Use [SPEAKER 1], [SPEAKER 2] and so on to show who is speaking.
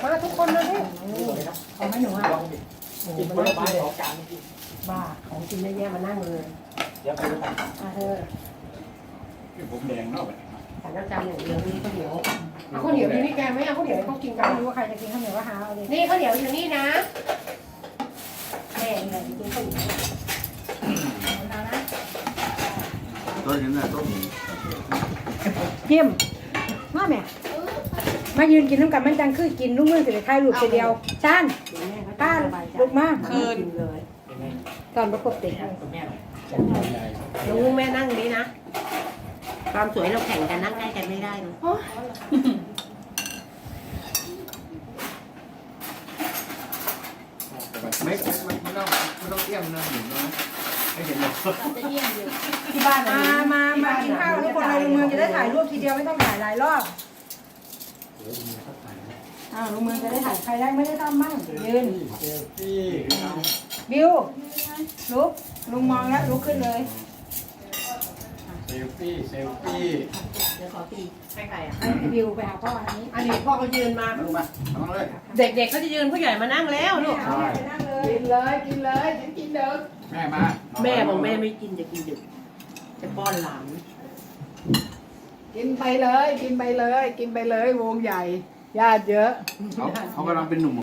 [SPEAKER 1] มาทุกคนเลยดิเอาไหมหนูอ่ะกินผลไม้2 จานบ้าของกินเยอะแยะมานั่งเลยเดี๋ยวไปดูกันเธอผมแดงเนาะแต่น้ำจานอย่างเดียวนี่ข้าวเหนียวเอาข้าวเหนียวนี่แกไม่เอาข้าวเหนียวให้เขากินกันไม่รู้ว่าใครจะกินข้าวเหนียวว่าหาเอาเลยนี่ข้าวเหนียวอยู่นี่นะแม่เนี่ยกินข้าวเหนียวนะ
[SPEAKER 2] ต้นนี้นะต้น
[SPEAKER 3] เยี่ยมมาแม่มายืนกินน้ำกันมันจังคือกินลูกมือสิถ่ายรูปเดียวจานป้าลูกมาคืนตอนประกบติด
[SPEAKER 1] ลุงแม่นั่งนี้นะความสวยเราแข่งกันนั่งใกล้กันไม่ได้เลย
[SPEAKER 2] ไม่ต้องเตี้ยมนะหนูนะไม่เห็นหรอก
[SPEAKER 1] ที่บ้าน
[SPEAKER 3] มากินข้าวทุกคนเลยลุงเมืองจะได้ถ่ายรูปทีเดียวไม่ต้องถ่ายหลายรอบลุงเมืองจะได้ถ่ายใครได้ไม่ได้ทำมั่งยืนบิวลุกลุงมองแล้วลุกขึ้นเลย
[SPEAKER 2] เซลฟี่เ
[SPEAKER 1] ดี๋ยวขอตีให้ใครอ่ะ
[SPEAKER 3] ให้บิวไปหาพ่อ
[SPEAKER 1] อันนี้พ่อเขายืนมาเด็กๆเขาจะยืนผู้ใหญ่มานั่งแล้วลูกกินเลยกินเด็ก
[SPEAKER 2] แม่มา
[SPEAKER 1] แม่บอกแม่ไม่กินจะกินดึกจะป้อนหลาน
[SPEAKER 4] กินไปเลยวงใหญ่ญาติเยอะ
[SPEAKER 2] เขากำลังเป็นหนุ่ม